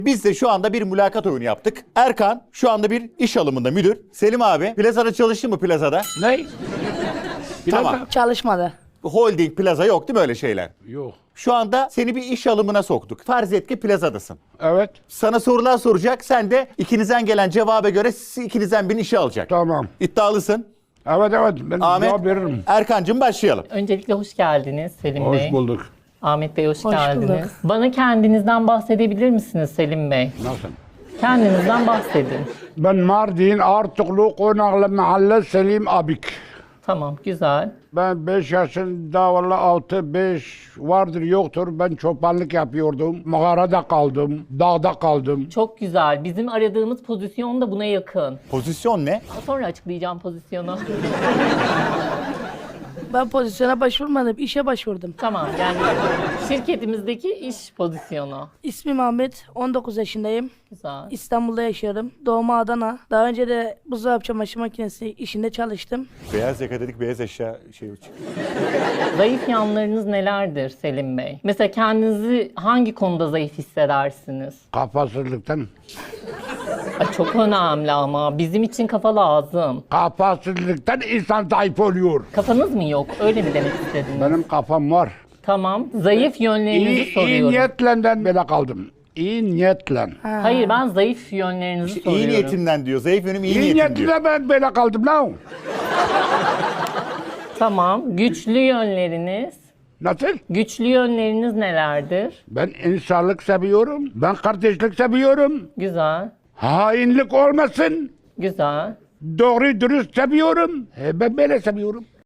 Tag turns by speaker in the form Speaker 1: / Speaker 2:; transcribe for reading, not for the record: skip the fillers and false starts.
Speaker 1: Biz de şu anda bir mülakat oyunu yaptık. Erkan şu anda bir iş alımında müdür. Selim abi plazada çalıştı mı plazada?
Speaker 2: Ne?
Speaker 1: Tamam.
Speaker 3: Çalışmadı.
Speaker 1: Holding plaza yok değil mi öyle şeyler?
Speaker 2: Yok.
Speaker 1: Şu anda seni bir iş alımına soktuk. Farz et ki plazadasın.
Speaker 2: Evet.
Speaker 1: Sana sorular soracak. Sen de ikinizden gelen cevaba göre ikinizden birini işe alacak.
Speaker 2: Tamam.
Speaker 1: İddialısın.
Speaker 2: Evet evet. Ben
Speaker 1: Ahmet,
Speaker 2: cevap veririm.
Speaker 1: Erkancığım başlayalım.
Speaker 4: Öncelikle hoş geldiniz Selim Bey.
Speaker 2: Hoş bulduk.
Speaker 4: Ahmet Bey hoş
Speaker 3: Hoş
Speaker 4: geldiniz.
Speaker 3: bulduk.
Speaker 4: Bana kendinizden bahsedebilir misiniz Selim Bey?
Speaker 2: Nasıl?
Speaker 4: Kendinizden bahsedin.
Speaker 2: Ben Mardin Artuklu Konaklı Mahalle Selim Abik.
Speaker 4: Tamam, güzel.
Speaker 2: Ben 5 yaşında valla 6-5 vardır yoktur. Ben çobanlık yapıyordum. Mağarada kaldım. Dağda kaldım.
Speaker 4: Çok güzel. Bizim aradığımız pozisyon da buna yakın.
Speaker 1: Pozisyon ne?
Speaker 4: Sonra açıklayacağım pozisyonu.
Speaker 3: Ben pozisyona başvurmadım, işe başvurdum.
Speaker 4: Tamam, yani şirketimizdeki iş pozisyonu.
Speaker 3: İsmim Ahmet, 19 yaşındayım.
Speaker 4: Güzel.
Speaker 3: İstanbul'da yaşıyorum. Doğma Adana. Daha önce de buzdolabı çamaşır makinesi işinde çalıştım.
Speaker 1: Beyaz yaka dedik, beyaz eşya şey çıktı.
Speaker 4: Zayıf yanlarınız nelerdir Selim Bey? Mesela kendinizi hangi konuda zayıf hissedersiniz?
Speaker 2: Kafasızlıktan.
Speaker 4: Ay, çok önemli ama bizim için kafa lazım.
Speaker 2: Kafasızlıktan insan zayıf oluyor.
Speaker 4: Kafanız mı yok? Öyle mi demek istediniz?
Speaker 2: Benim kafam var.
Speaker 4: Tamam. Zayıf yönlerinizi
Speaker 2: İyi
Speaker 4: soruyorum.
Speaker 2: niyetle böyle kaldım. İyi niyetle.
Speaker 4: Hayır, ben zayıf yönlerinizi
Speaker 1: İyi
Speaker 4: soruyorum.
Speaker 1: niyetinden diyor. Zayıf yönüm iyi,
Speaker 2: İyi
Speaker 1: niyetim diyor.
Speaker 2: niyetle ben böyle kaldım lan.
Speaker 4: Tamam. Güçlü yönleriniz.
Speaker 2: Nasıl?
Speaker 4: Güçlü yönleriniz nelerdir?
Speaker 2: Ben insanlık seviyorum. Ben kardeşlik seviyorum.
Speaker 4: Güzel.
Speaker 2: Hainlik olmasın.
Speaker 4: Güzel.
Speaker 2: Doğru dürüst seviyorum. Ben böyle seviyorum.